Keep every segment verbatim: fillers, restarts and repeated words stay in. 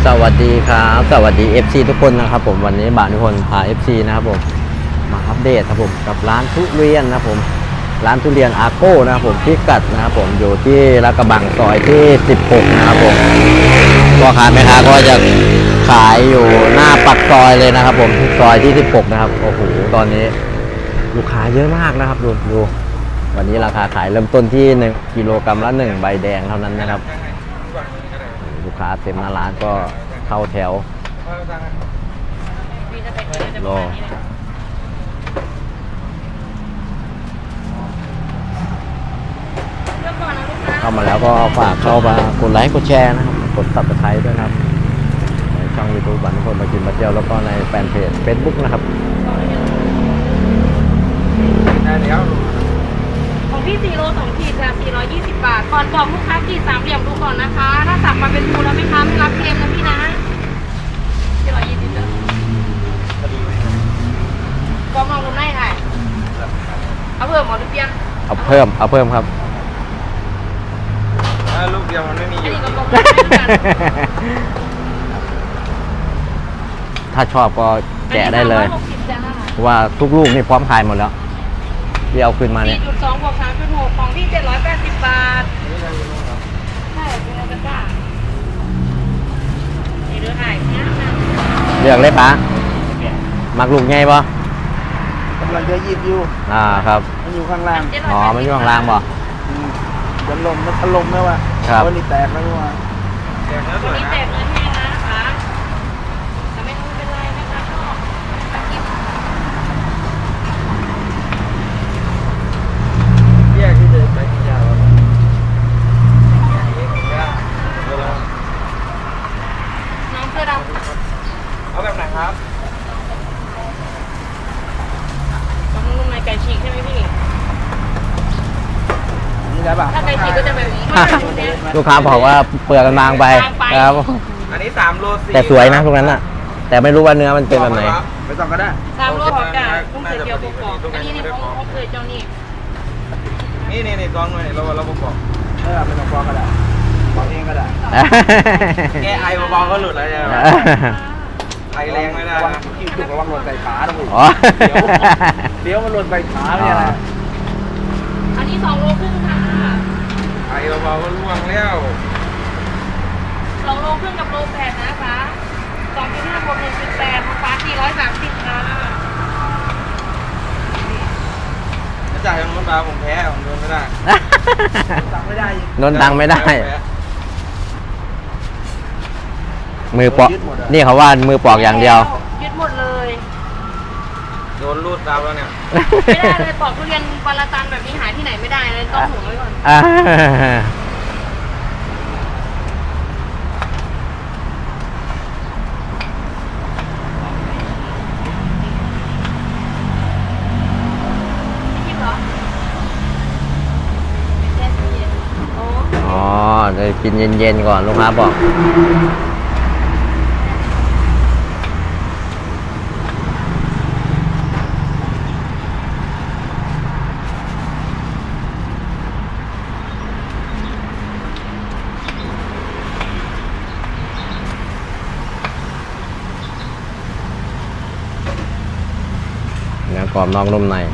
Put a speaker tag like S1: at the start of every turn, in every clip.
S1: สวัสดีครับสวัสดี เอฟ ซี ทุกคนนะครับผมวันนี้บ่าวนิพนธ์พา เอฟ ซี นะครับผมมาอัปเดตครับผมกับร้านทุเรียนนะครับผมร้านทุเรียนอาโก้นะครับผมพิกัดนะครับผมอยู่ที่ลาดกระบังซอยที่สิบหกนะครับผมพ่อค้าแม่ค้าก็จะขายอยู่หน้าปากซอยเลยนะครับผมซอยที่สิบหกนะครับโอ้โหตอนนี้ลูกค้าเยอะมากนะครับดูดูวันนี้ราคาขายเริ่มต้นที่หนึ่งกิโลกรัมละหนึ่งใบแดงเท่านั้นนะครับลูกค้าเต็มหน้าร้านก็เข้าแถวรอเข้ามาแล้วก็ฝากเข้ามากดไลค์กดแชร์นะครับกดซับสไครต์ด้วยนะครับในช่องยูทูบบันทุกคนมากินมาเที่ยวแล้วก็ในแฟนเพจเฟซบุ๊กนะครับ
S2: ได้แล้ว
S3: ของพี่สี่โลสองขีดค่ะสี่ร้อยยี่สิบบาทก่อนบอกลูกค้าขีดสามเหลี่ยมดูก่อนนะคะถ้าสั่งมาเป็นภูแล้วไหมคะไม่รับเค็มนะพี่นะสี่ร้อยยี่สิบเด้อก็มองตรงไหนไอ้เอาเพิ่มหมอหรือเปลี่ยน
S1: เอาเพิ่มเอาเพิ่มครับ
S2: ลูกเดียวมันไม่มีอยู่
S1: ถ้าชอบก็แกะได้เลยว่าทุกลูกนี่พร้อมขายหมดแล้วที่เอาขึ้นมาเนี่ย
S3: สี่จุดสองบวกสามจุดหกของพี่เจ็ดร้อยแปดสิบบาทใช่เป็นอะไรกันบ้างนี่ดูถ่ายเนี่ย
S1: เลือกเลยปะมักลูกไงปะ
S2: กำลังจะหยิบอยู่
S1: อ่าครับ
S2: มันอยู่ข้างล่าง
S1: อ๋อมันอยู่ข้างล่างปะ
S2: จะลมมันถล่มไหมวะ
S1: ครับ
S2: วันนี้แตกแล้ววะ
S3: แตกแล้วสวยนะวันนี้แตกเลยแม่นะคะแต่ไม่รู้เป็นไรนะคะก็
S2: แยกที่เดินไปที่ยาว
S3: น้องเสื้อดำ
S2: เอาแบบไหนครับ
S3: ต้องนุ่มในไก่ฉีกใช่ไหมพี่
S2: นี่ได้ป่ะ
S3: ถ้าไก่ฉีกก็จะแบบนี้
S1: ลูกค้าบอกว่าเปลือกมันบางไปครับ
S2: อันนี้สามโลสี่
S1: แต่สวยนะตรงนั้นน่ะแต่ไม่รู้ว่าเนื้อมันเป็นแบบไหน
S2: ไม่ต้องก็ได้
S3: สามโลของไก่ต้องเสียเกี๊ยวปอกอันนี้นี่เขาเขาเคยเจ้านี่
S2: นี่นี่นี่กองเลยเราเราบอกเออไม่ต้องปอกก็ได้ปอกเองก็ได้แกไอเบาๆก็หลุดแล้วใช่ไหมไอแรงไม่ได้นะกินถูกระวังหล่นใส่ขาต้องเดี๋ยวมันหล่นใส่ขาเนี่ยนะ
S3: อันนี้สองโลครึ่งค่ะ
S2: ไอเบาๆก็ล่วงแล้ว
S3: สองโลครึ่งกับโลแปดนะคะสองจุดห้าบวกหนึ่งจุดแปดของฟ้าสี่ร้อยสามสิบค่ะ
S2: ถ้าจ่ายของรถมาผมแพ้ผมโดนไม่ได้ตังไม่ได้
S1: โดนตังไม่ได้มือปอกนี่เขาว่ามือปอกอย่างเดียว
S3: ยึดหมดเลย
S2: โดนรูดตามแล้วเนี่ย
S3: ไม่ได้เลยปอกทุเรียนปลาตันแบบนี้หาที่ไหนไม่ได้เลยต้องห่วงไว้ก่อน
S1: อ๋อเดี๋ยวกินเย็นๆก่อนลูกค้าบอกเนื้อกรอบนอกนุ่มใน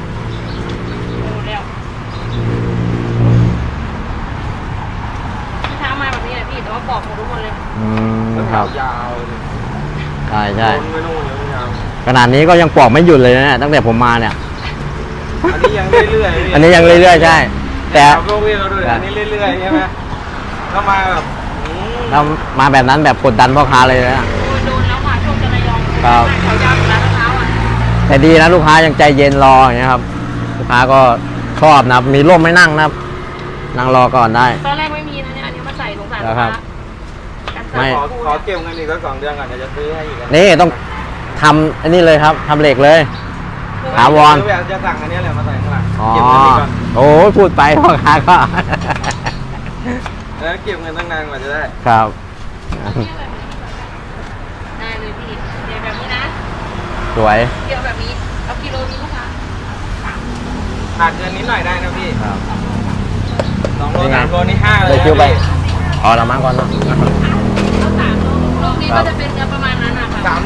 S3: ปอกหมดทุกคนเลย
S1: อืมครับ
S2: ยาว
S1: ใช่ใช่
S2: ไม่นู่นเลยยาว
S1: ขนาดนี้ก็ยังปอกไม่หยุดเลยนะตั้งแต่ผมมาเนี่ย
S2: อันนี้ยังเรื่อยๆ
S1: อันนี้ยังเรื่อยๆใช่แต่
S2: พวกพี่เราดูอันนี้เรื่อยๆใช่ไหมก็มาแบบ
S1: เรามาแบบนั้นแบบกดดันพ่อค้าเลยนะ
S3: โดนแล้วค่ะช่วงจะระยอง
S1: ครับ
S3: เขายาวร้านเท้าอ่ะ
S1: แต่ดีนะลูกค้ายังใจเย็นรออย่างเงี้ยครับลูกค้าก็ชอบนะมีร่มไม่นั่งนะนั่งรอก่อนได้
S3: ตอนแรกไม่มีนะเนี่ยอันนี้มาใส่สงสารลูกค้า
S1: ไม่
S2: ขอเก็บเงินอีกสักสองเดือนก่อนเดี๋ยวจะซื้อให้อีก
S1: นี่ต้องทำอันนี้เลยครับทำเหล็กเลยถาวร
S2: จะสั่งอันนี้แหละมาใส่ข้างหลัง
S1: อ๋อโอ้พูดไปพ่อค้าก็
S2: แล้วเก็บเงินตั้งนานกว่าจะได้
S1: ครับ
S3: ได้เลยพี่เดี๋ยวแบบนี้นะ
S1: สวย
S3: เดี๋ยวแบบนี้เอากิโลนี้ลูกค้า
S2: ขาดเกินนิดหน่อยได้นะพี่
S1: ครับ
S2: สองโลสามโลนี่ห้าเลย
S1: คิวไปอ๋อเรามาก่อนเนาะ
S3: แล้วสามโลโล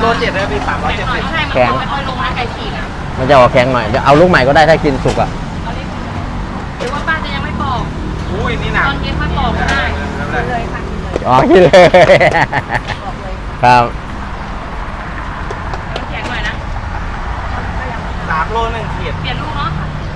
S2: เจ็ดเลยพี่สามร้อยเจ็ดสิบ
S3: ใช่มัน
S1: แข็ง
S3: ไม่ค่อยลงนะไก่ฉีกอ่ะ
S1: มันจะออกแข็งหน่อยเดี๋ยวเอาลูกใหม่ก็ได้ถ้ากินสุกอ่ะ
S3: หรือว่าป้าจะยังไม่ปอก
S2: อุ้ยนี่หนัก
S3: ตอนเย็นค่อยปอกก็ได้เลยค่ะกินเลย
S1: อ๋อกินเลย
S3: ปอกเลย
S1: ครับ
S3: น้ำแข็งหน่อยนะ
S2: สามโลหนึ่งขีด
S3: เปลี่ยนลูกเนาะ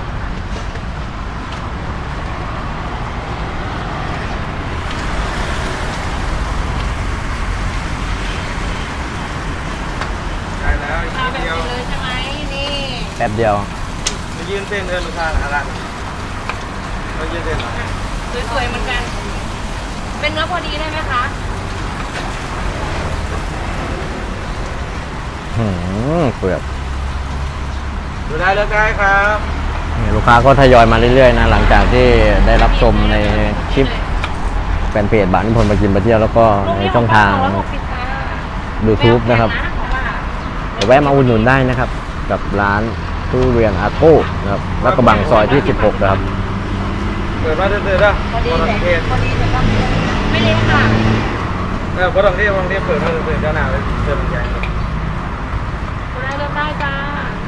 S2: ได้แล้วอีก
S3: เอา
S2: นิด
S3: แบบ
S2: เดียว
S3: นี้เลยใช่ไหมนี่
S1: แป๊บเดียว
S2: มายืนเต้นเดินลูกค้าอะไรมายืนเต้นเหรอ
S3: สวยๆเหมือนกัน เป็นเนื้อพอดีได้ไหมคะ
S1: หืมเปลือก
S2: ดูได้เลือกได้ครับ
S1: นี่ลูกค้าก็ทยอยมาเรื่อยๆนะหลังจากที่ได้รับชมในคลิปแฟนเพจบ้านนิพนธ์มากินมาเที่ยวแล้วก็ในช่องทาง YouTube นะครับเดี๋ยวแวะมาอุดหนุนได้นะครับ กับร้านทุเรียนอาโก้นะครับแล้วก็บังซอยที่สิบหกนะครับ
S2: เปิดมาเดินๆนะ
S3: พอดี
S2: พอ
S3: เล
S2: ดั
S3: ย
S2: งเทศ
S3: พอดีเลยครับไม่เล็กค่ะ
S2: เออพอดังเทศพอดังเทศเปิดมาเดินๆเจ้าหน้าเลยเดินใหญ่
S3: ได้เลือกได้จ้า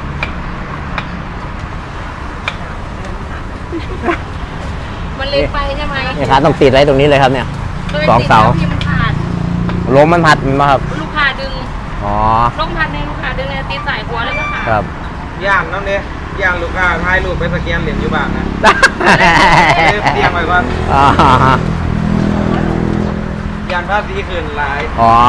S3: มันเล็กไปใช่ไหม
S1: นี่ครับต้องติดไว้ตรงนี้เลยครับเนี่ย สองเสา
S3: ที่มันขาด
S1: ลมมันพัดมันมาครับ
S3: ลูกค้าดึง
S1: อ๋อ
S3: ลมพัดในลูกค้าดึงเลยตีสายหัวเลยก็ขาด
S1: ครับ
S2: ย่างน้ำเนี่ยย่างลูกค้าถ่ายรูปไปสแกนเหรียญอยู่บ้างนะเตรียมไว้ก่อน
S1: อ๋อ
S2: ย่านภาพดีขึ้นหลาย
S1: อ๋อ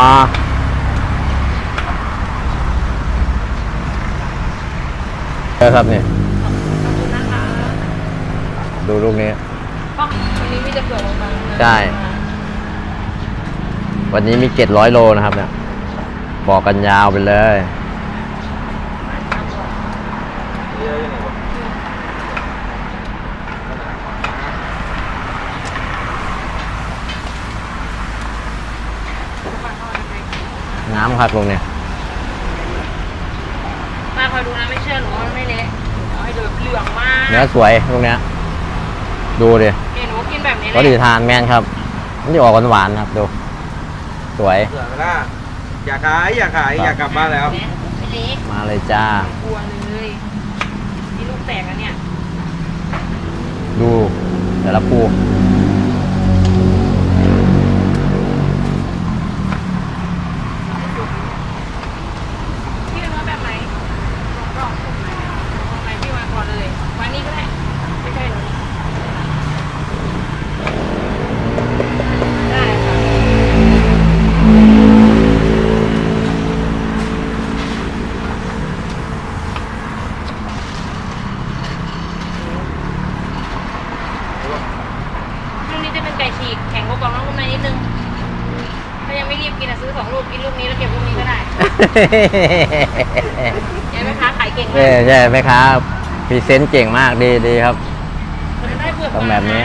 S1: เออครับเนี่ย
S3: ขอบคุณนะคะ
S1: ดูลูกนี้
S3: ก็วันนี้มีแต่เปลือกบางๆนะ
S1: ใช่ วันนี้มีเจ็ดร้อยโลนะครับเนี่ย บอกกันยาวไปเลย
S2: เยอะอยู่นี่วะ
S1: น้ำครับลงเนี่ย
S3: มาคอยดูนะไม่เชื่อหนูว่ามันไม่เละเอาให้ดูเหลืองมาก
S1: เนื้อสวยตรงเนี้ย ดูดิ
S3: เห็นหนูกินแบบนี้
S1: ก็ดีทานแมนครับมันจะออกหวานๆครับดู สวย
S2: เสือไปละอยากขายอยากขายอยากกลับบ้านแล้ว
S3: ไม่เละ
S1: มาเลยจ้า
S3: กลัวเลยนี่ลูกแตกแล้วเนี่ย
S1: ดูแต่ละปู
S3: พี่เอาเนื้อแบบไหนกรอบสุกไหมเอาไหนพี่มาก่อนเลยวันนี้ก็ได้ไม่ใช่หรอได้ค่ะลูกนี้จะเป็นไก่ฉีกแข็งกว่ากล่องน้องลูกในนิดนึงถ้ายังไม่รีบกินอะซื้อสองลูกกินลูกนี้แล้วเก็บลูกนี้ก็ได้เห็นไหมคะขายเก่งมา
S1: เอ้
S3: ก
S1: ใช่ไหมครับพรีเซนต์เก่งมากดีดีครับ
S3: มันได้เปลือก
S1: ต้องแบบนี้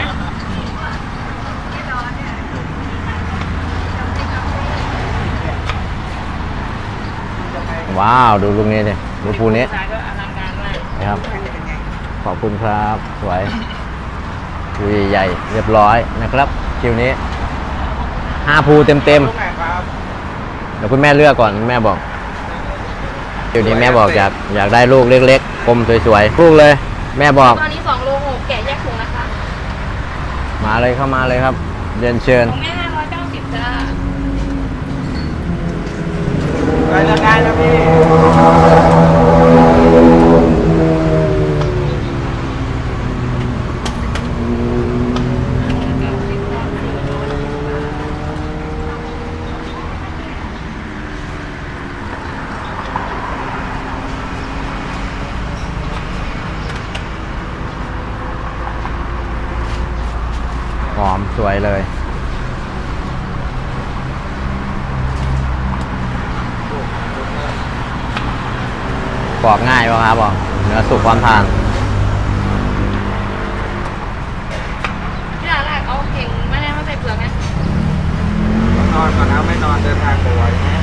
S1: ว้าว ดูลูกนี้ดิดูปูนี้
S3: สายก็อลังการมาก
S1: นะครับ ขอบคุณครับ สวยปูใหญ่ๆเรียบร้อยนะครับ คิวนี้ห้าภูเต็มเต็ม
S2: ลูกไหนครับ
S1: ๆเดี๋ยวคุณแม่เลือกก่อนแม่บอกคิวนี้แม่บอกอยากอยากได้ลูกเล็กๆกลมสวยๆลูกเลย แม่บอก
S3: ตอนนี้สองโลหกแกะแยกถุงนะคะ
S1: มาเลยเข้ามาเลยครับเรียนเชิญ
S3: ของแม่ห้าร้อยเก้าสิบจ้า
S2: ได้เลือกได้นะพี่
S1: หอมสวยเลย ปอกง่ายป่ะครับบอกเนื้อสุกความทาน
S3: ที่ร้านแรกเอาเข่งไม่ได้มาใส่เปลือกนะ
S2: นอนก่อนนะไม่นอนเดินทางบ่อยนะ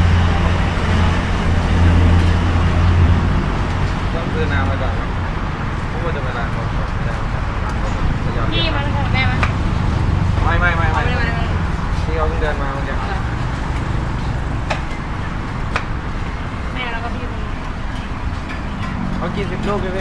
S2: ต้องซื้อน้ำไว้ก่อนนะเพราะว่าจะไปร้านเขาไม่ได้จะยอม
S3: พี่มันของแม่มั้ย
S2: ไม่ไม่ไม่
S3: เอา
S2: ไม่
S3: ไปเลยมาเลย
S2: ที่เขาเพิ่งเดินมาเมื่อกี้
S3: ม
S2: กินสิบลูกเลยพี่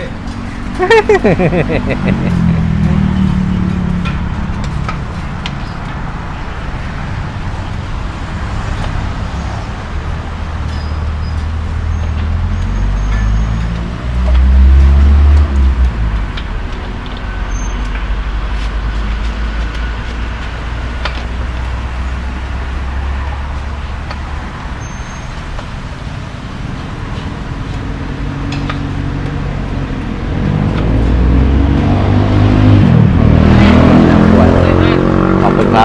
S1: ขอบคุณครับ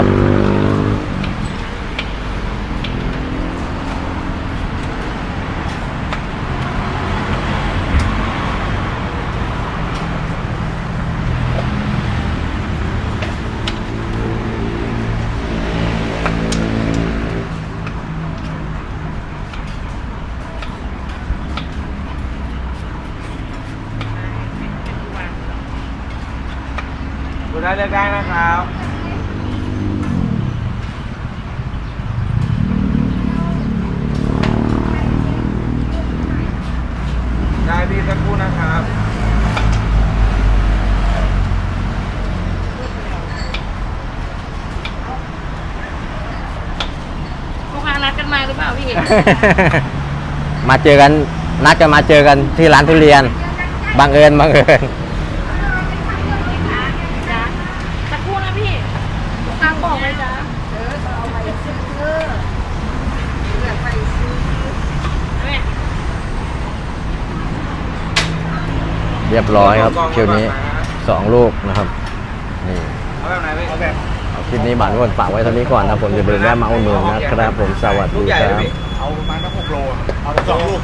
S2: ดูได้เลือกได้นะครับ ได้พี่สักครู่นะครับ
S3: ลูกค้านัดกันมาหรือเปล่าพี่
S1: มาเจอกันนัดกันมาเจอกันที่ร้านทุเรียนบังเอิญบังเอิญ
S3: จ้ะสักครู่นะพี่ลูกค้าบอกเลยจ้ะเออเอาไปซื้อเลือกไปซื้อแม่
S1: เรียบร้อยครับคิวนี้สองลูกนะครับนี่
S2: เอาแบบไหนพี่เอาแบบ
S1: คลิปนี้บาททุกคนฝากไว้เท่านี้ก่อนนะผมอย่าลืมแวะมาอุดหนุนนะครับผมสวัส
S2: ลู
S1: ดี
S2: กใหญ่
S1: ค
S2: เลย
S1: รับ
S2: พี่เอาประมาณสักหกโลเอาสองลูก